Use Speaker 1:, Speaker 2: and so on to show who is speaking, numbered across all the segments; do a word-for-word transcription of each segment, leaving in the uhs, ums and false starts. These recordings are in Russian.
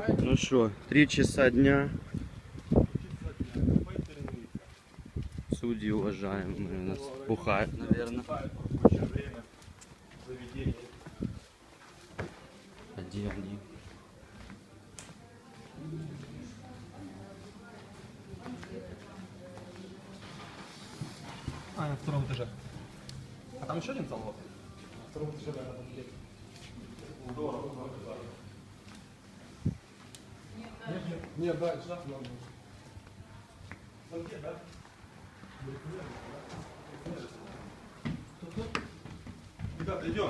Speaker 1: Ну что, три часа дня. Судьи уважаемые у нас бухают, наверное. А где они?
Speaker 2: А, на втором этаже. А там еще один зал? На втором этаже, да, там есть. Здорово.
Speaker 3: Нет, дальше.
Speaker 2: Там где, да? Ребята, идем.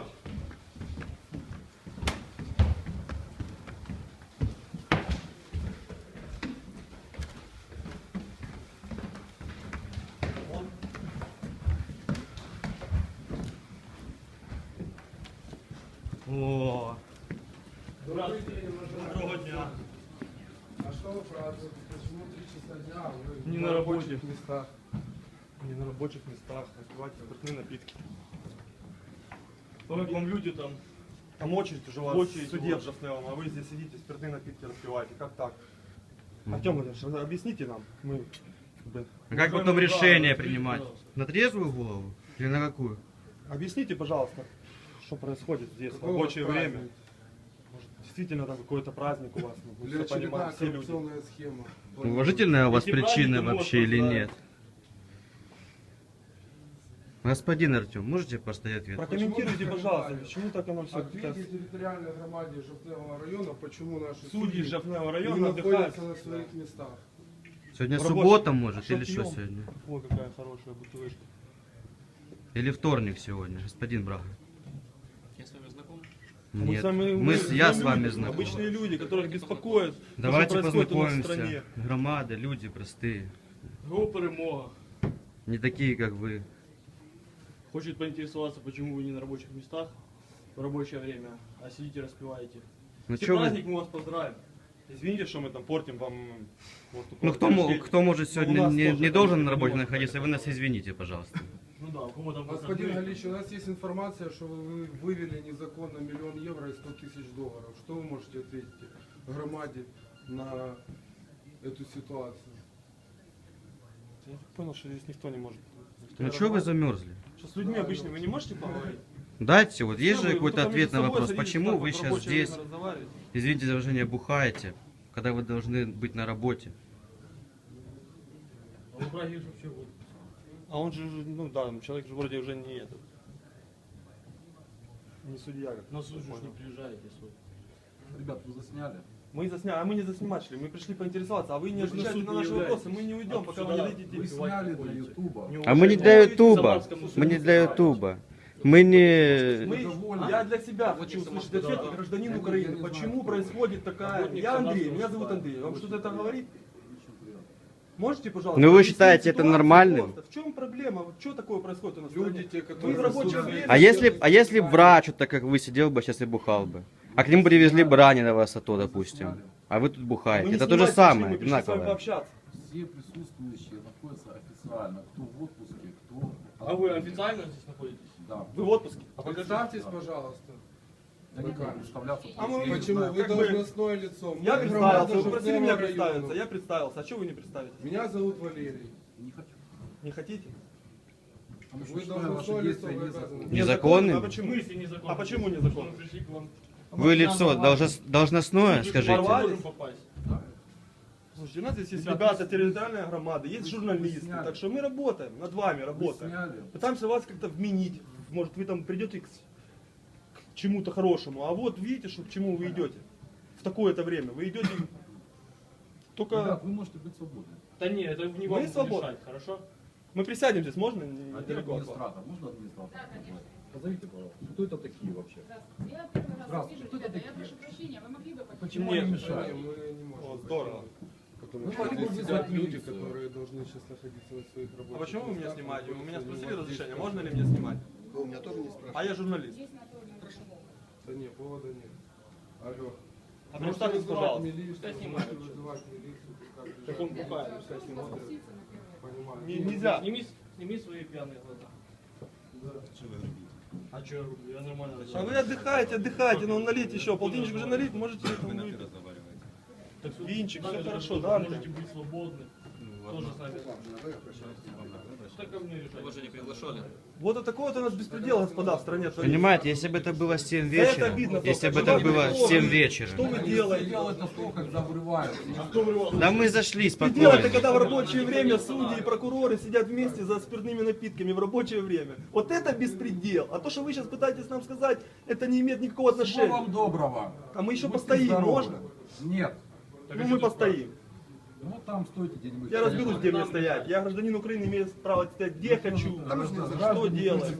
Speaker 2: О,
Speaker 3: Добрый день,
Speaker 2: доброго дня.
Speaker 3: А что вы празднуете? Почему три часа дня, а вы
Speaker 2: Не
Speaker 3: в
Speaker 2: на
Speaker 3: рабочих
Speaker 2: работе.
Speaker 3: местах?
Speaker 2: Не на рабочих местах, распивать спиртные напитки. Как вам люди там?
Speaker 4: Там очередь уже у вас
Speaker 2: Очередь
Speaker 4: в суде
Speaker 2: у вас.
Speaker 4: в Жафневом, а вы здесь сидите, спиртные напитки распиваете. Как так? Артем Владимирович, объясните нам. Мы, как бы,
Speaker 1: А как потом решение принимать? На трезвую голову? Или на какую?
Speaker 4: объясните, пожалуйста, что происходит здесь в
Speaker 3: Какой у вас
Speaker 4: рабочее время.
Speaker 3: праздник?
Speaker 4: Может, действительно там какой-то праздник у вас. Мы
Speaker 3: Или
Speaker 4: все
Speaker 3: очередная
Speaker 4: понимаем, все люди.
Speaker 3: коррупционная схема?
Speaker 1: Уважительная у вас
Speaker 2: Эти
Speaker 1: причина
Speaker 2: праздники
Speaker 1: вообще
Speaker 2: можно
Speaker 1: или
Speaker 2: поздравить.
Speaker 1: нет? Господин Артем, можете постоять ответ?
Speaker 4: Прокомментируйте,
Speaker 3: Почему
Speaker 4: пожалуйста,
Speaker 3: понимаю?
Speaker 4: почему так оно все
Speaker 3: Ответьте территориальной громаде Жовтневого района, почему наши
Speaker 4: Судьи Жафневого
Speaker 3: не
Speaker 4: района отдыхают.
Speaker 3: находятся на своих местах.
Speaker 1: Сегодня
Speaker 4: В рабочем-
Speaker 1: суббота, может,
Speaker 4: Что
Speaker 1: или что
Speaker 4: пьем?
Speaker 1: сегодня?
Speaker 4: Ой, какая хорошая бутылочка.
Speaker 1: Или вторник сегодня, господин Брага?
Speaker 2: Я с вами знаком.
Speaker 4: Мы
Speaker 1: Нет,
Speaker 4: с вами-
Speaker 1: мы, с- я с
Speaker 4: люди,
Speaker 1: вами знаком.
Speaker 4: Обычные люди, которых беспокоят,
Speaker 1: Давайте
Speaker 4: что происходит у нас в
Speaker 1: познакомимся.
Speaker 4: стране.
Speaker 1: Громада, люди простые.
Speaker 2: Го перемога.
Speaker 1: Не такие, как вы.
Speaker 2: Хочет поинтересоваться, почему вы не на рабочих местах в рабочее время, а сидите распиваете.
Speaker 1: Ну,
Speaker 2: Все
Speaker 1: чё вы-
Speaker 2: праздник, мы вас поздравим.
Speaker 4: Извините, что мы там портим вам... вот такой
Speaker 1: Ну
Speaker 4: вот
Speaker 1: кто,
Speaker 4: день
Speaker 1: мо-
Speaker 4: рождения.
Speaker 1: кто может
Speaker 4: Ну, у
Speaker 1: сегодня
Speaker 4: нас
Speaker 1: не,
Speaker 4: тоже
Speaker 1: не
Speaker 4: там
Speaker 1: должен
Speaker 4: не
Speaker 1: на работе
Speaker 4: может
Speaker 1: находиться, вы
Speaker 4: быть.
Speaker 1: нас извините, пожалуйста.
Speaker 2: Ну да, у кого там
Speaker 3: Господин
Speaker 2: выходные.
Speaker 3: Галич, у нас есть информация, что вы вывели незаконно миллион евро и сто тысяч долларов. Что вы можете ответить громаде на эту ситуацию?
Speaker 4: Я так понял, что здесь никто не может. никто
Speaker 1: Ну
Speaker 4: не
Speaker 1: что вы
Speaker 4: работает.
Speaker 1: замерзли?
Speaker 4: Что с людьми обычными вы не можете поговорить?
Speaker 1: Дайте, вот есть
Speaker 4: Что
Speaker 1: же
Speaker 4: вы-
Speaker 1: какой-то
Speaker 4: вы только
Speaker 1: ответ
Speaker 4: между
Speaker 1: на
Speaker 4: собой
Speaker 1: вопрос,
Speaker 4: садитесь,
Speaker 1: почему
Speaker 4: так
Speaker 1: вы
Speaker 4: вот в
Speaker 1: сейчас
Speaker 4: рабочее
Speaker 1: здесь,
Speaker 4: время разговариваете?
Speaker 1: извините за выражение, бухаете, когда вы должны быть на работе?
Speaker 2: А вы праздник вообще вот.
Speaker 4: А он же, ну да, человек же вроде уже не этот. Не судья. Как
Speaker 2: На суд же
Speaker 4: понял.
Speaker 2: не приезжаете, суд.
Speaker 5: Ребят, вы засняли?
Speaker 4: Мы засняли, а мы не засниматели, мы пришли поинтересоваться, а вы не
Speaker 2: Вы же на
Speaker 4: отвечаете
Speaker 2: суд
Speaker 4: на
Speaker 2: не
Speaker 4: наши
Speaker 2: являетесь.
Speaker 4: вопросы, мы не уйдем,
Speaker 2: А
Speaker 4: пока вы
Speaker 2: сюда
Speaker 4: не дадите
Speaker 5: Вы
Speaker 4: денег.
Speaker 5: сняли для Ютуба.
Speaker 4: Не
Speaker 1: А мы не
Speaker 4: уважаете.
Speaker 1: для
Speaker 2: Ой,
Speaker 1: Ютуба,
Speaker 2: Самарскому
Speaker 1: мы не
Speaker 2: суду
Speaker 1: для
Speaker 2: ставите.
Speaker 1: Ютуба. Мы не...
Speaker 4: Мы, я для себя хочу услышать ответ,
Speaker 2: да.
Speaker 4: как гражданин
Speaker 3: Я не-
Speaker 4: Украины,
Speaker 3: я не знаю,
Speaker 4: почему
Speaker 3: кто
Speaker 4: происходит такая...
Speaker 2: Работник
Speaker 4: Я Андрей,
Speaker 2: Самарского
Speaker 4: меня зовут
Speaker 2: суда.
Speaker 4: Андрей, вам что-то это говорит? Можете, пожалуйста?
Speaker 1: Ну, вы
Speaker 4: объяснить
Speaker 1: считаете это
Speaker 4: ситуацию
Speaker 1: нормальным?
Speaker 4: просто? В чем проблема? Вот что такое происходит у нас в
Speaker 3: Люди,
Speaker 4: стране?
Speaker 3: те,
Speaker 4: Вы
Speaker 3: которые
Speaker 4: в рабочее
Speaker 3: заслужили-
Speaker 4: время...
Speaker 1: А если, а если б врач, вот так как вы, сидел бы сейчас и бухал бы? А к нему привезли бы раненого сато, допустим. А вы тут
Speaker 4: Мы
Speaker 1: бухаете.
Speaker 4: не
Speaker 1: Это то же
Speaker 4: снимаете,
Speaker 1: самое,
Speaker 4: мы пришли с вами
Speaker 1: одинаковое.
Speaker 4: пообщаться.
Speaker 5: Все присутствующие находятся официально. Кто в отпуске, кто...
Speaker 2: А вы официально здесь находитесь?
Speaker 5: Да.
Speaker 4: Вы в отпуске.
Speaker 3: Представьтесь, пожалуйста.
Speaker 5: Я не буду представляться.
Speaker 4: А мы-
Speaker 5: потому что я не
Speaker 3: Почему?
Speaker 5: знаю.
Speaker 3: Вы
Speaker 4: как бы-
Speaker 3: должностное лицо.
Speaker 4: Я
Speaker 3: Мы
Speaker 4: представился,
Speaker 3: громада
Speaker 4: вы просили меня
Speaker 3: Жовтневого
Speaker 4: представиться,
Speaker 3: района.
Speaker 4: я представился. А что вы не представитесь?
Speaker 3: Меня зовут Валерий.
Speaker 5: Не хочу.
Speaker 4: Не хотите?
Speaker 5: Потому что
Speaker 3: Вы
Speaker 5: считаю
Speaker 3: должностное
Speaker 5: ваши
Speaker 3: лицо,
Speaker 5: действия
Speaker 3: вы
Speaker 5: незаконными.
Speaker 3: обязаны.
Speaker 1: Незаконными?
Speaker 4: А
Speaker 2: В
Speaker 4: почему?
Speaker 2: смысле незаконно?
Speaker 4: А почему незаконно?
Speaker 2: Мы пришли к вам.
Speaker 1: Вы лицо должно- должностное,
Speaker 2: Вы же
Speaker 1: скажите?
Speaker 2: ворвались, можем попасть.
Speaker 4: Слушайте, у нас здесь есть
Speaker 5: Ребят,
Speaker 4: ребята,
Speaker 5: вы-
Speaker 4: территориальная громада, есть
Speaker 5: вы-
Speaker 4: журналисты,
Speaker 5: вы сняли.
Speaker 4: так что мы работаем, над вами
Speaker 5: Вы
Speaker 4: работаем.
Speaker 5: сняли.
Speaker 4: Пытаемся вас как-то вменить, может вы там придете к, к чему-то хорошему, а вот видите, что к чему вы идете в такое-то время, вы идете только...
Speaker 5: Ребят, вы можете быть свободны.
Speaker 2: Да не, это не
Speaker 4: Мы
Speaker 2: вам
Speaker 4: свободны.
Speaker 2: решать, хорошо?
Speaker 4: Мы присядем здесь, можно?
Speaker 5: А где
Speaker 4: Недалеко от вас.
Speaker 5: администратор? Можно администратор? Позовите, пожалуйста. Кто это такие вообще?
Speaker 6: Я первый раз
Speaker 5: Здравствуйте.
Speaker 6: вижу,
Speaker 5: Кто это
Speaker 6: ребята, я
Speaker 5: такие?
Speaker 6: прошу прощения, вы могли бы
Speaker 5: Почему
Speaker 4: Нет,
Speaker 5: они
Speaker 3: Не,
Speaker 5: мешают?
Speaker 3: мы не можем.
Speaker 4: О, здорово.
Speaker 3: Потому
Speaker 5: Вы
Speaker 3: что
Speaker 5: могли бы
Speaker 3: здесь
Speaker 5: вызвать
Speaker 3: сидят люди,
Speaker 5: милицию.
Speaker 3: которые должны сейчас находиться на своих рабочих
Speaker 4: А почему вы меня
Speaker 3: местах,
Speaker 4: снимаете? У меня
Speaker 3: находятся,
Speaker 4: спросили
Speaker 3: не
Speaker 4: разрешение,
Speaker 3: воздействуют.
Speaker 4: можно ли мне снимать?
Speaker 3: У меня тоже не спрашивают.
Speaker 4: А я журналист.
Speaker 6: Есть на то или
Speaker 3: Да нет, повода нет. Алло.
Speaker 4: А
Speaker 3: Можете
Speaker 4: представьтесь,
Speaker 3: вызывать
Speaker 4: пожалуйста.
Speaker 3: милицию,
Speaker 2: Пускай
Speaker 3: можете
Speaker 2: снимают.
Speaker 3: вызывать милицию, пускай
Speaker 4: Так он
Speaker 3: приезжают.
Speaker 4: бухает, пускай снимает.
Speaker 3: Понимаю.
Speaker 4: Не- Нельзя.
Speaker 2: Сними, сними свои пьяные глаза. А что я рублю? Я нормально
Speaker 4: А вы
Speaker 2: разговариваю.
Speaker 4: отдыхаете, отдыхаете, но налить еще, полтинничек уже налить, можете там выпить. Винчик, все хорошо, да, Артем?
Speaker 7: Можете быть свободны. Тоже с нами. Что ко мне решать?
Speaker 2: Вы же не приглашали.
Speaker 4: Вот это такой вот у нас беспредел, господа, в стране творится.
Speaker 1: Понимаете, если бы это было в семь
Speaker 4: Да это
Speaker 1: вечера,
Speaker 4: обидно
Speaker 1: если бы
Speaker 4: просто.
Speaker 1: это
Speaker 4: Что вы
Speaker 1: было в
Speaker 4: делаете?
Speaker 1: семь
Speaker 4: Что
Speaker 1: вечера,
Speaker 4: вы делаете?
Speaker 5: Дело это то, когда врываются.
Speaker 1: да мы зашли
Speaker 4: Предел это
Speaker 1: спокойно.
Speaker 4: когда в рабочее время судьи и прокуроры сидят вместе за спиртными напитками в рабочее время. Вот это беспредел. А то, что вы сейчас пытаетесь нам сказать, это не имеет никакого
Speaker 5: Всего
Speaker 4: отношения.
Speaker 5: вам доброго.
Speaker 4: А мы еще
Speaker 5: Будьте
Speaker 4: постоим,
Speaker 5: здоровы.
Speaker 4: можно?
Speaker 5: Нет.
Speaker 4: Ну мы постоим.
Speaker 5: Ну там стойте где-нибудь.
Speaker 4: Я разберусь, где мне стоять. Я гражданин Украины, имею право стоять где хочу. Что делать?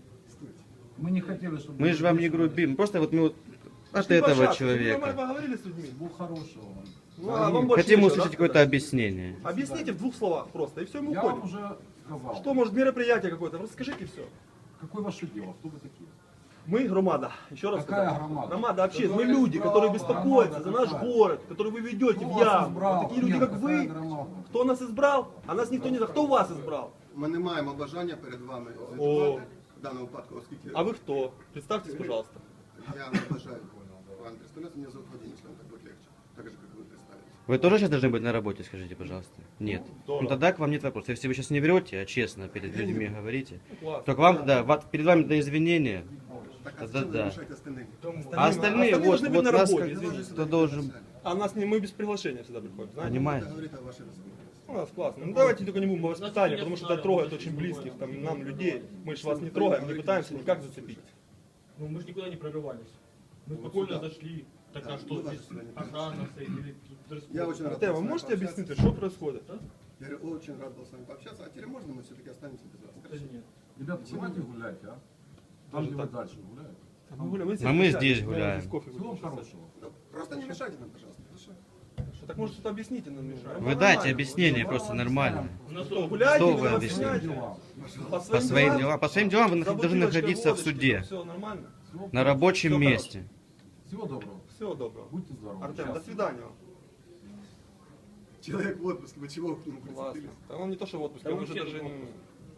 Speaker 5: Мы не хотели, чтобы...
Speaker 1: Мы же вам не грубим, просто вот мы вот от
Speaker 4: Пошли
Speaker 1: этого
Speaker 4: пообщаться. Вы
Speaker 1: человека
Speaker 4: нормально поговорили с людьми?
Speaker 5: Всего хорошего вам.
Speaker 4: Ну, а вам больше
Speaker 1: хотим
Speaker 4: нечего,
Speaker 1: услышать
Speaker 4: да,
Speaker 1: какое-то
Speaker 4: сказать?
Speaker 1: объяснение.
Speaker 4: Объясните в двух словах просто, и все, мы
Speaker 5: Я вам
Speaker 4: уходим.
Speaker 5: уже сказал.
Speaker 4: Что, может, мероприятие какое-то? Расскажите все.
Speaker 5: Какое ваше дело? Кто вы такие?
Speaker 4: Мы громада. Еще раз
Speaker 5: Какая
Speaker 4: сказать.
Speaker 5: громада?
Speaker 4: Громада общественная. Мы
Speaker 5: Которая
Speaker 4: люди,
Speaker 5: избрала
Speaker 4: которые беспокоятся
Speaker 5: громада
Speaker 4: за наш
Speaker 5: какая?
Speaker 4: город, который вы ведете
Speaker 5: Кто
Speaker 4: в
Speaker 5: вас
Speaker 4: яму.
Speaker 5: избрал?
Speaker 4: Вот такие люди,
Speaker 5: Нет,
Speaker 4: как
Speaker 5: какая
Speaker 4: вы.
Speaker 5: громада?
Speaker 4: Кто нас избрал? А нас никто не знает. Кто вас избрал?
Speaker 8: Ми не маємо бажання перед вами
Speaker 4: О.
Speaker 8: звітувати в даному випадку, оскільки
Speaker 4: А вы кто? Представьтесь, пожалуйста.
Speaker 8: я не бажаю вам представляться, мене зовут Владимир, если вам так будет легче, так же, как вы представились.
Speaker 1: Вы тоже сейчас должны быть на работе, скажите, пожалуйста? Нет. Ну тогда к вам нет вопросов. Если вы сейчас не врете, а честно перед людьми говорите,
Speaker 4: Класс.
Speaker 1: то к вам, да, вот перед вами на извинения.
Speaker 8: Так, а
Speaker 1: Да,
Speaker 8: зачем вы
Speaker 1: да.
Speaker 8: мешаете остальным?
Speaker 1: А остальные,
Speaker 4: остальные
Speaker 1: вот,
Speaker 4: должны быть
Speaker 1: вот
Speaker 4: на
Speaker 1: нас
Speaker 4: работе,
Speaker 1: как-
Speaker 4: извините.
Speaker 1: кто должен,
Speaker 4: А нас не, мы без приглашения всегда приходим, знаете?
Speaker 1: понимаете?
Speaker 8: Это говорит о вашей раскрытости.
Speaker 4: У нас классно. Ну давайте только не будем о воспитании, потому что это трогает очень близких там, нам людей. Мы же вас не трогаем, не пытаемся никак зацепить.
Speaker 7: Ну мы же никуда не прорывались. Мы спокойно зашли. Так а что здесь охрана стоит или дресс-код?
Speaker 8: Я очень рад.
Speaker 4: Артем,
Speaker 8: был
Speaker 4: вы
Speaker 8: с вами
Speaker 4: можете
Speaker 8: пообщаться.
Speaker 4: объяснить, что происходит? а?
Speaker 8: Я говорю, очень рад был с вами пообщаться, а теперь можно мы все-таки останемся без вас?
Speaker 7: Да нет.
Speaker 5: Ребята, давайте гулять, а? Там, где вы дальше гуляете.
Speaker 4: Мы гуляем, вы
Speaker 1: А мы
Speaker 4: здесь
Speaker 1: здесь
Speaker 4: гуляем,
Speaker 1: гуляем.
Speaker 4: здесь кофе
Speaker 5: Всего вам
Speaker 4: будем сейчас.
Speaker 5: хорошего.
Speaker 8: Ну, просто не мешайте нам, пожалуйста. Хорошо?
Speaker 4: Что, Так может что-то объясните нам, Миша?
Speaker 1: Вы дайте объяснение просто нормально.
Speaker 7: У нас
Speaker 4: Что,
Speaker 7: тоже
Speaker 4: гуляйте,
Speaker 1: Что
Speaker 4: вы
Speaker 1: вы
Speaker 4: нас
Speaker 1: объясните?
Speaker 4: сняйте.
Speaker 5: Дела.
Speaker 1: По своим делам, по своим делам вы нах- должны находиться в суде,
Speaker 4: Все нормально.
Speaker 5: Всего,
Speaker 1: на рабочем
Speaker 4: Всё
Speaker 1: месте.
Speaker 5: всего доброго.
Speaker 4: Всего доброго.
Speaker 5: Будьте здоровы.
Speaker 4: Артем, до
Speaker 5: Счастливы.
Speaker 4: свидания вам.
Speaker 8: Человек в отпуске, вы чего к нему
Speaker 4: Классно.
Speaker 8: прицепились?
Speaker 4: Да он не то, что в отпуске,
Speaker 7: Да
Speaker 4: он
Speaker 7: мы
Speaker 4: уже
Speaker 7: все
Speaker 4: даже...
Speaker 7: тут в
Speaker 4: м,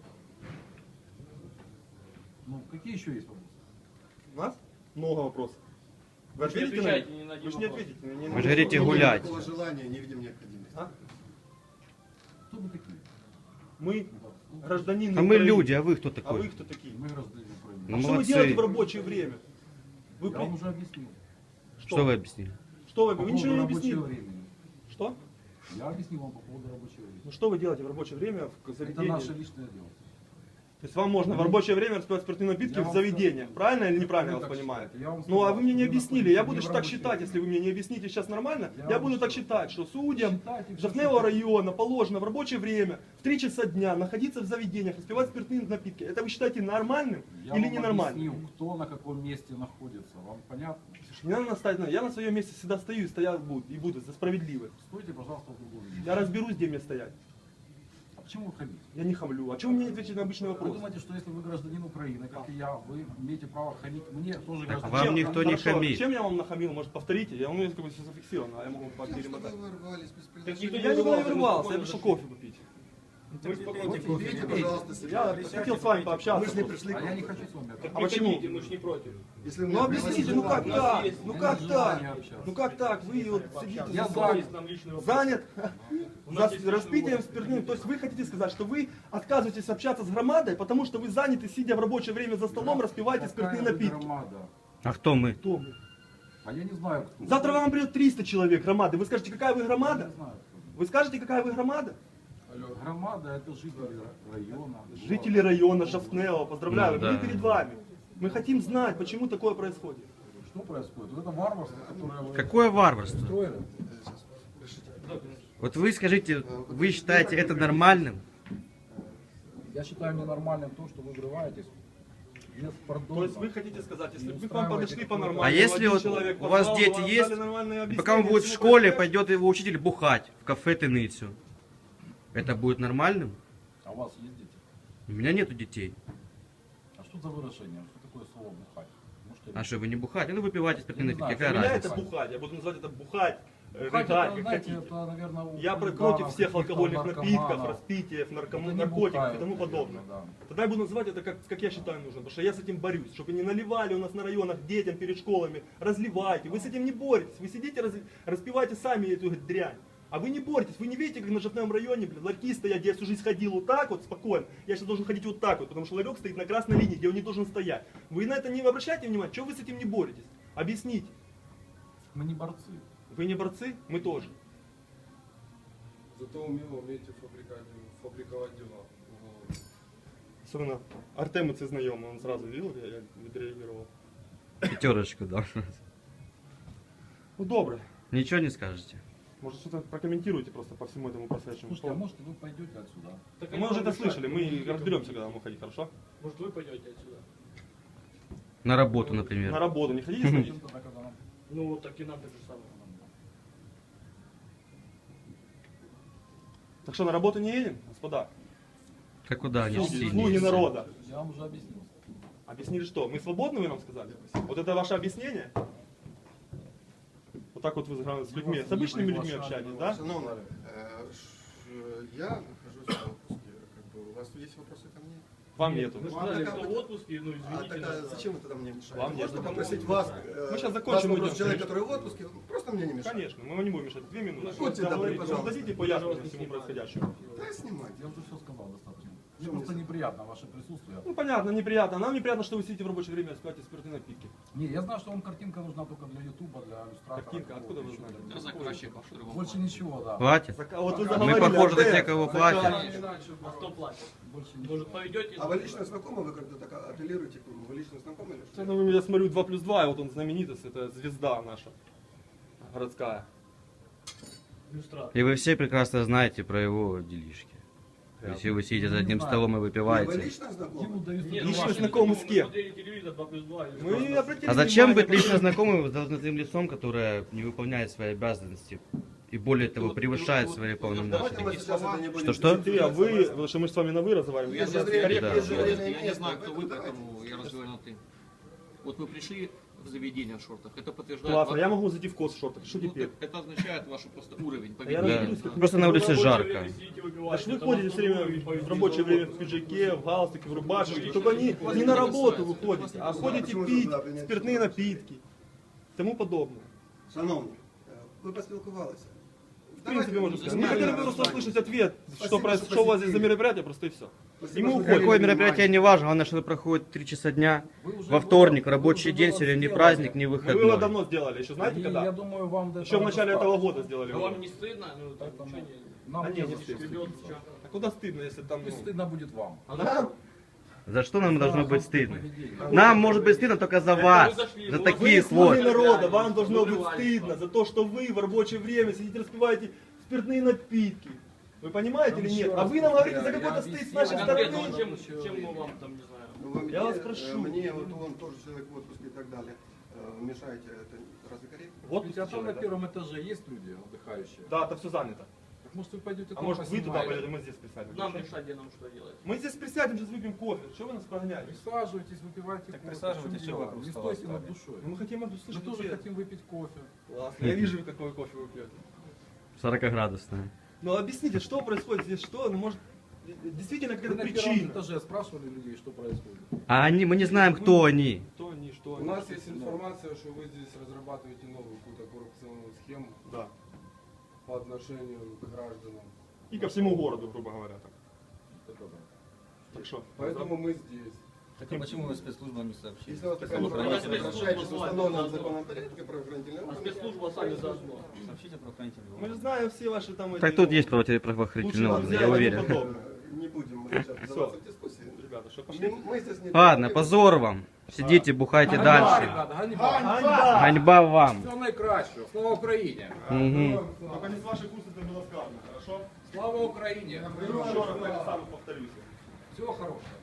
Speaker 5: Ну, какие еще есть вопросы?
Speaker 4: У нас много вопросов. Вы
Speaker 7: Вы же не
Speaker 4: ответите на них?
Speaker 7: отвечаете ни на один
Speaker 4: Вы же не
Speaker 7: вопрос.
Speaker 4: ответите. не- не-
Speaker 1: Вы же говорите
Speaker 8: Нет
Speaker 1: гулять.
Speaker 8: Такого желания, не видим необходимости.
Speaker 4: А?
Speaker 5: Кто вы такие?
Speaker 4: Мы гражданины
Speaker 1: А мы
Speaker 4: Украины.
Speaker 1: люди, а вы кто
Speaker 4: А вы
Speaker 1: такой?
Speaker 4: кто такие?
Speaker 5: Мы граждане Украины.
Speaker 1: Ну,
Speaker 4: А что вы
Speaker 1: молодцы.
Speaker 4: делаете в рабочее время? Вы
Speaker 5: Я
Speaker 4: при-
Speaker 5: вам уже объяснил.
Speaker 1: Что вы объяснили?
Speaker 4: Что вы?
Speaker 5: По
Speaker 4: Вы
Speaker 5: поводу
Speaker 4: ничего не
Speaker 5: рабочего
Speaker 4: объяснили.
Speaker 5: времени.
Speaker 4: Что?
Speaker 5: Я объяснил вам по поводу рабочего времени.
Speaker 4: Ну что вы делаете в рабочее время в
Speaker 5: Это
Speaker 4: заведении?
Speaker 5: наше личное дело.
Speaker 4: То есть вам можно в рабочее время распивать спиртные напитки
Speaker 5: Я
Speaker 4: в
Speaker 5: вам
Speaker 4: заведениях, правильно или неправильно я
Speaker 5: Вы
Speaker 4: вас
Speaker 5: так
Speaker 4: понимаю?
Speaker 5: считаете. Я вам
Speaker 4: Ну а
Speaker 5: сказал,
Speaker 4: вы мне
Speaker 5: что
Speaker 4: не
Speaker 5: вы
Speaker 4: объяснили,
Speaker 5: находитесь
Speaker 4: я
Speaker 5: не
Speaker 4: буду
Speaker 5: в
Speaker 4: так
Speaker 5: рабочее
Speaker 4: считать,
Speaker 5: время.
Speaker 4: если вы мне не объясните сейчас нормально,
Speaker 5: Я
Speaker 4: я
Speaker 5: вам
Speaker 4: буду так
Speaker 5: что?
Speaker 4: считать, что судьям
Speaker 5: Считайте, всё,
Speaker 4: Жовтневого
Speaker 5: что
Speaker 4: района положено в рабочее время в три часа дня находиться в заведениях, распивать спиртные напитки. Это вы считаете нормальным
Speaker 5: Я
Speaker 4: или
Speaker 5: вам
Speaker 4: ненормальным?
Speaker 5: объяснил, кто на каком месте находится. Вам понятно?
Speaker 4: Слушай, не надо наставить на- Я на своем месте всегда стою и стоять буду, и буду за справедливость.
Speaker 5: Стойте, пожалуйста, в другом месте.
Speaker 4: Я разберусь, где мне стоять.
Speaker 5: А почему вы хамите?
Speaker 4: Я не хамлю. А чего вы мне не ответите на обычный
Speaker 5: Вы
Speaker 4: вопрос?
Speaker 5: думаете, что если вы гражданин Украины, как и я, вы имеете право хамить мне, тоже
Speaker 1: Так
Speaker 5: гражданин?
Speaker 1: вам
Speaker 4: Чем?
Speaker 1: никто не
Speaker 4: Хорошо,
Speaker 1: хамит.
Speaker 4: Чем я вам нахамил? Может, повторите? Я, у меня как бы все зафиксировано, а я могу
Speaker 8: Тем, что
Speaker 4: перемотать.
Speaker 8: вы ворвались без
Speaker 7: никто
Speaker 8: приглашения.
Speaker 7: не
Speaker 4: Я никуда не
Speaker 7: вырвался,
Speaker 4: вырвался,
Speaker 7: мы
Speaker 4: я пришел
Speaker 7: спокойно
Speaker 4: кофе попить.
Speaker 8: Вот Ведите, пожалуйста, себя.
Speaker 4: Я хотел с вами пообщаться.
Speaker 8: Мы же не
Speaker 4: просто.
Speaker 8: пришли
Speaker 5: А
Speaker 8: к
Speaker 5: я
Speaker 8: вам.
Speaker 5: не хочу с вами общаться.
Speaker 4: А почему?
Speaker 7: Приходите, мы ж не против.
Speaker 8: Если вы
Speaker 4: Ну
Speaker 8: мне
Speaker 4: объясните, ну как
Speaker 8: пригласите,
Speaker 4: так?
Speaker 7: есть-
Speaker 4: Ну
Speaker 5: у
Speaker 4: как
Speaker 5: нас
Speaker 4: так?
Speaker 5: желание общаться.
Speaker 4: Ну как так? Вы вот сидите
Speaker 5: Я
Speaker 4: за
Speaker 5: занят.
Speaker 7: Есть нам личный вопрос.
Speaker 4: занят
Speaker 7: У
Speaker 4: за
Speaker 7: нас есть личный
Speaker 4: распитием
Speaker 7: вопрос.
Speaker 4: спиртным. То есть вы хотите сказать, что вы отказываетесь общаться с громадой, потому что вы заняты, сидя в рабочее время за столом, распиваете
Speaker 5: Какая
Speaker 4: спиртные
Speaker 5: вы
Speaker 4: напитки.
Speaker 5: громада?
Speaker 1: А кто мы?
Speaker 4: Кто мы?
Speaker 5: А я не знаю, кто.
Speaker 4: Завтра вам придет триста человек громады. Вы скажете, какая вы
Speaker 5: Я
Speaker 4: громада?
Speaker 5: не знаю, кто.
Speaker 4: Вы скажете, какая вы громада?
Speaker 5: Громада — это жители района.
Speaker 4: Жители района Жовтнева, поздравляю,
Speaker 1: Ну,
Speaker 4: мы
Speaker 1: да.
Speaker 4: перед вами. Мы хотим знать, почему такое происходит.
Speaker 5: Что происходит? Вот это варварство, которое вы
Speaker 1: Какое варварство?
Speaker 5: устроили.
Speaker 1: Вот вы скажите, вы считаете это нормальным?
Speaker 5: Я считаю ненормальным то, что вы врываетесь без пардона.
Speaker 4: То есть вы хотите сказать, если бы
Speaker 5: Не
Speaker 4: мы к вам подошли
Speaker 5: устраивайте
Speaker 4: по-нормальному,
Speaker 1: А если
Speaker 4: один
Speaker 1: вот
Speaker 4: человек
Speaker 1: у вас
Speaker 4: позвал,
Speaker 1: дети
Speaker 4: вам
Speaker 1: есть,
Speaker 4: дали нормальное
Speaker 1: И пока он
Speaker 4: объяснение,
Speaker 1: будет в
Speaker 4: всему
Speaker 1: школе,
Speaker 4: прочему,
Speaker 1: пойдет его учитель бухать в кафе Тыныцу. Это будет нормальным?
Speaker 5: А у вас есть дети?
Speaker 1: У меня нету детей.
Speaker 5: А что за выражение? Что такое слово бухать? Можете
Speaker 1: А что, вы не бухаете? Ну, выпивайте спиртные
Speaker 5: Я не
Speaker 1: напитки,
Speaker 5: знаю,
Speaker 1: какая
Speaker 4: Для меня
Speaker 1: разница?
Speaker 4: это бухать, я буду называть это бухать. э,
Speaker 5: Бухать,
Speaker 4: рыгать,
Speaker 5: это,
Speaker 4: как
Speaker 5: знаете,
Speaker 4: хотите.
Speaker 5: это, наверное, у
Speaker 4: Я про-
Speaker 5: хулиганов,
Speaker 4: против всех
Speaker 5: каких-то
Speaker 4: алкогольных напитков,
Speaker 5: наркоманов.
Speaker 4: распитиев, нарком-
Speaker 5: Это не
Speaker 4: наркотиков и
Speaker 5: бухают,
Speaker 4: тому
Speaker 5: наверное,
Speaker 4: подобное.
Speaker 5: да.
Speaker 4: Тогда я буду называть это как, как я считаю нужно, потому что я с этим борюсь, чтобы не наливали у нас на районах детям перед школами, разливайте. Вы с этим не боретесь, вы сидите, раз, распиваете сами эту дрянь. А вы не боретесь, вы не видите, как на Жовтневом районе, блин, ларьки стоят, где я всю жизнь ходил вот так вот, спокойно. Я сейчас должен ходить вот так вот, потому что ларек стоит на красной линии, где он не должен стоять. Вы на это не обращаете внимания? Чего вы с этим не боретесь? Объясните.
Speaker 5: Мы не борцы.
Speaker 4: Вы не борцы? Мы тоже.
Speaker 3: Зато умело умеете фабриковать, фабриковать дела. Вот.
Speaker 4: Особенно Артем, це знайомий, он сразу видел, я, я відреагував.
Speaker 1: Пятерочку дал.
Speaker 4: Ну добре.
Speaker 1: Ничего не скажете.
Speaker 4: Может что-то прокомментируйте просто по всему этому происходящему.
Speaker 5: Слушайте, а может вы пойдете отсюда?
Speaker 7: Так
Speaker 4: Мы
Speaker 7: они
Speaker 4: уже
Speaker 7: вам
Speaker 4: это
Speaker 7: мешают.
Speaker 4: слышали, мы разберемся, когда нам уходить, хорошо?
Speaker 7: Может, вы пойдете отсюда?
Speaker 1: На работу,
Speaker 4: На
Speaker 1: например.
Speaker 4: работу не хотите сходить?
Speaker 5: Тогда, когда нам-
Speaker 7: Ну, так и нам так же самое.
Speaker 4: Так что, на работу не едем, господа?
Speaker 1: Как куда они
Speaker 4: Слуги,
Speaker 1: все
Speaker 4: слуги народа.
Speaker 5: Я вам уже объяснил.
Speaker 4: Объяснили что? Мы свободны, вы нам сказали? Вот это ваше объяснение? Вот так вот вы с- с людьми, с обычными людьми общаетесь, да?
Speaker 8: Шановні, е, ш- я нахожусь в отпуске. Как бы, у вас есть вопросы ко мне?
Speaker 4: Вам нету.
Speaker 7: Мы же
Speaker 8: Ну, а
Speaker 7: сказали,
Speaker 8: так,
Speaker 7: что
Speaker 8: а-
Speaker 7: в отпуске, ну,
Speaker 8: А
Speaker 7: извините.
Speaker 8: тогда
Speaker 7: нас.
Speaker 8: зачем вы тогда мне мешаете?
Speaker 4: Вам
Speaker 8: Можно
Speaker 4: нет.
Speaker 8: попросить вас, э,
Speaker 4: Мы сейчас
Speaker 8: вас
Speaker 4: закончим,
Speaker 8: вопрос
Speaker 4: уйдем.
Speaker 8: человека, который в отпуске, просто мне не мешает.
Speaker 4: Конечно, мы вам не будем мешать. Две минуты.
Speaker 8: Будьте добры,
Speaker 4: Говорите,
Speaker 8: пожалуйста.
Speaker 4: дадите пояснение всему происходящему.
Speaker 8: Да, снимайте.
Speaker 5: Я уже все сказал достаточно. Мне
Speaker 8: Что
Speaker 5: просто
Speaker 8: мне-
Speaker 5: неприятно ваше присутствие.
Speaker 4: Ну понятно, неприятно. Нам неприятно, что вы сидите в рабочее время и спиваете спиртные напитки.
Speaker 5: Не, я знаю, что вам картинка нужна только для ютуба, для иллюстратора.
Speaker 4: Картинка, откуда вы знаете?
Speaker 5: Больше ничего, да.
Speaker 1: Платят?
Speaker 4: Так, а вот вы
Speaker 1: Мы
Speaker 4: заговорили,
Speaker 1: похожи на
Speaker 4: Артем.
Speaker 1: тех, кого платят.
Speaker 7: А кто платит?
Speaker 5: Больше ничего.
Speaker 7: Может, пойдете?
Speaker 8: А вы лично знакомы? Вы как-то так апеллируете к нему? Вы лично знакомы или что?
Speaker 4: Ну, я смотрю два плюс два, и вот он знаменитость, это звезда наша городская.
Speaker 7: Иллюстратор.
Speaker 1: И вы все прекрасно знаете про его делишки. Если вы сидите за одним столом и
Speaker 8: Вы
Speaker 1: выпиваете.
Speaker 8: лично
Speaker 5: Ему
Speaker 8: знакомы?
Speaker 5: дают
Speaker 7: Нет,
Speaker 4: Лично
Speaker 7: ну,
Speaker 4: знакомы
Speaker 7: мы
Speaker 4: с кем?
Speaker 7: смотрели телевизор два плюс два.
Speaker 4: Мы обратили
Speaker 1: А зачем
Speaker 4: внимание,
Speaker 1: быть лично знакомым с должностным лицом, которое не выполняет свои обязанности и более того превышает свои полномочия?
Speaker 8: Давайте мы сейчас это не будем
Speaker 1: Что-что?
Speaker 4: Ты, а вы, потому что мы же с вами на вы разговариваем.
Speaker 8: Есть же
Speaker 4: Я
Speaker 8: время,
Speaker 1: Да.
Speaker 8: есть же время и
Speaker 9: Я не
Speaker 8: место,
Speaker 9: знаю, кто вы,
Speaker 8: поэтому давайте.
Speaker 9: поэтому я разговариваю на ты. Вот вы пришли в заведение в шортах, это подтверждает...
Speaker 4: Классно,
Speaker 9: ваш-
Speaker 4: я могу зайти в кос в шортах. Что
Speaker 9: Ну,
Speaker 4: теперь?
Speaker 9: так это означает ваш просто уровень
Speaker 4: А я
Speaker 9: поведения.
Speaker 4: разберусь, как-
Speaker 1: Просто на улице жарко.
Speaker 4: А что вы ходите все время в рабочее время в пиджаке, в галстуке, в рубашечке, только не, не на работу вы ходите, а ходите
Speaker 8: Почему
Speaker 4: пить
Speaker 8: туда принять
Speaker 4: спиртные
Speaker 8: что-то?
Speaker 4: напитки, тому подобное.
Speaker 8: Шановні, е, ви поспілкувалися.
Speaker 4: В принципе, можно сказать. Мы
Speaker 8: Давайте
Speaker 4: хотели бы
Speaker 8: нормально.
Speaker 4: просто услышать ответ,
Speaker 8: Спасибо,
Speaker 4: что, проис-
Speaker 8: что
Speaker 4: что у вас здесь за
Speaker 8: посетили.
Speaker 4: мероприятие, просто и все.
Speaker 8: Спасибо,
Speaker 4: И мы
Speaker 8: что
Speaker 4: уходим.
Speaker 1: Какое мероприятие не важно, главное, что это проходит три часа дня,
Speaker 5: Вы уже
Speaker 1: во вторник,
Speaker 5: было-
Speaker 1: рабочий
Speaker 5: вы уже
Speaker 1: день,
Speaker 5: было
Speaker 1: сегодня не
Speaker 5: сделали.
Speaker 1: праздник, не
Speaker 4: Мы его
Speaker 1: выходной.
Speaker 4: давно сделали, еще знаете
Speaker 5: И
Speaker 4: когда?
Speaker 5: я думаю, вам до
Speaker 4: Еще в
Speaker 5: этого
Speaker 4: начале этого
Speaker 5: достаточно.
Speaker 4: года сделали.
Speaker 7: А
Speaker 4: его.
Speaker 7: вам не стыдно? Ну, так,
Speaker 5: Поэтому
Speaker 7: ничего не...
Speaker 5: нам
Speaker 4: А не,
Speaker 5: не
Speaker 4: не
Speaker 5: за что
Speaker 4: стыдно.
Speaker 5: стыдиться.
Speaker 4: А куда стыдно, если там...
Speaker 5: И
Speaker 4: ну,
Speaker 5: стыдно будет вам.
Speaker 7: А да?
Speaker 1: За что нам должно быть стыдно?
Speaker 5: Поведение.
Speaker 1: Нам может быть стыдно только за вас,
Speaker 7: зашли,
Speaker 1: за
Speaker 7: вы
Speaker 1: таких
Speaker 4: Вы слуги
Speaker 1: вот.
Speaker 4: народа, вам должно быть
Speaker 7: Вырывались
Speaker 4: стыдно
Speaker 7: вам.
Speaker 4: за то, что вы в рабочее время сидите, распиваете спиртные напитки. Вы понимаете
Speaker 5: Вам
Speaker 4: или
Speaker 5: еще
Speaker 4: нет? А
Speaker 5: раз
Speaker 4: вы нам говорите за
Speaker 5: повторяю,
Speaker 4: какой-то
Speaker 5: я
Speaker 4: стыд с
Speaker 5: объяснил.
Speaker 4: нашей
Speaker 7: А
Speaker 4: стороны.
Speaker 7: конкретно, чем, чем мы вам там, не знаю...
Speaker 8: Ну, вы
Speaker 4: Я
Speaker 8: мне,
Speaker 4: вас
Speaker 8: э,
Speaker 4: прошу.
Speaker 8: Мне, вот он тоже человек в отпуске и так далее. э, Мешаете, это разве корректно?
Speaker 4: Вот
Speaker 5: Слушайте, а там на
Speaker 4: человек, да?
Speaker 5: первом этаже есть люди отдыхающие?
Speaker 4: Да, там все занято.
Speaker 5: Так может вы пойдете
Speaker 4: А
Speaker 5: там
Speaker 4: может вы туда
Speaker 5: поснимаете?
Speaker 4: пойдете, мы здесь присядем.
Speaker 7: Нам решать, где нам что делать.
Speaker 4: Мы здесь присядем, сейчас выпьем кофе. Что вы нас прогоняете?
Speaker 5: Присаживайтесь, выпивайте
Speaker 3: Так
Speaker 5: кофе.
Speaker 3: присаживайтесь,
Speaker 5: В чем
Speaker 3: чего
Speaker 5: дело?
Speaker 3: вокруг
Speaker 5: Не
Speaker 3: стола
Speaker 5: стойте над
Speaker 3: стали?
Speaker 5: душой.
Speaker 4: Ну, мы хотим
Speaker 5: Мы
Speaker 4: услышать
Speaker 5: тоже
Speaker 4: ответ.
Speaker 5: хотим выпить кофе.
Speaker 4: Классно. Я вижу, какой кофе вы пьете.
Speaker 1: сорокаградусная.
Speaker 4: Ну объясните, что происходит здесь, что, ну может, действительно
Speaker 5: Вы
Speaker 4: какая-то
Speaker 5: на первом
Speaker 4: причина.
Speaker 5: этаже спрашивали людей, что происходит?
Speaker 1: А они, мы не знаем, кто они.
Speaker 4: Что они, что
Speaker 3: У
Speaker 4: они.
Speaker 3: нас есть информация, что вы здесь разрабатываете новую какую-то коррупционную схему
Speaker 4: Да.
Speaker 3: по отношению к гражданам.
Speaker 4: И ко всему городу, грубо говоря. Так,
Speaker 5: Это да.
Speaker 4: так что?
Speaker 3: Поэтому мы здесь.
Speaker 4: Хотим...
Speaker 9: Почему вы спецслужбам не сообщили?
Speaker 8: Если у вас такая
Speaker 7: Слушай,
Speaker 8: информация
Speaker 7: давайте
Speaker 8: нарушаете
Speaker 7: спецслужбу
Speaker 8: установленным
Speaker 7: заодно.
Speaker 8: законом порядке правоохранительные
Speaker 7: А
Speaker 8: органы,
Speaker 7: спецслужба сами заодно.
Speaker 9: Сообщите правоохранительные
Speaker 4: Мы же
Speaker 9: органы.
Speaker 4: знаем все ваши там...
Speaker 1: Так
Speaker 4: эти,
Speaker 1: тут
Speaker 4: ну,
Speaker 1: есть правоохранительные
Speaker 4: лучше
Speaker 1: органы,
Speaker 4: друзья
Speaker 1: я
Speaker 4: и тому
Speaker 1: уверен.
Speaker 4: подобное.
Speaker 8: не будем мы сейчас вдаваться в дискуссии.
Speaker 4: Ребята, что
Speaker 8: Мы,
Speaker 4: пошли?
Speaker 8: мы здесь не
Speaker 1: Ладно,
Speaker 8: для-
Speaker 1: позор вам. Сидите, бухайте
Speaker 5: Ганьба,
Speaker 1: дальше.
Speaker 5: ребята, ганьба.
Speaker 4: Ганьба!
Speaker 1: Ганьба вам.
Speaker 5: Всього найкращого. Слава Україні!
Speaker 1: Мгм.
Speaker 4: Только не с вашей курсы это было сказано, хорошо?
Speaker 5: Слава Україні!
Speaker 4: Еще раз так само повторюсь.
Speaker 5: Всього хорошого.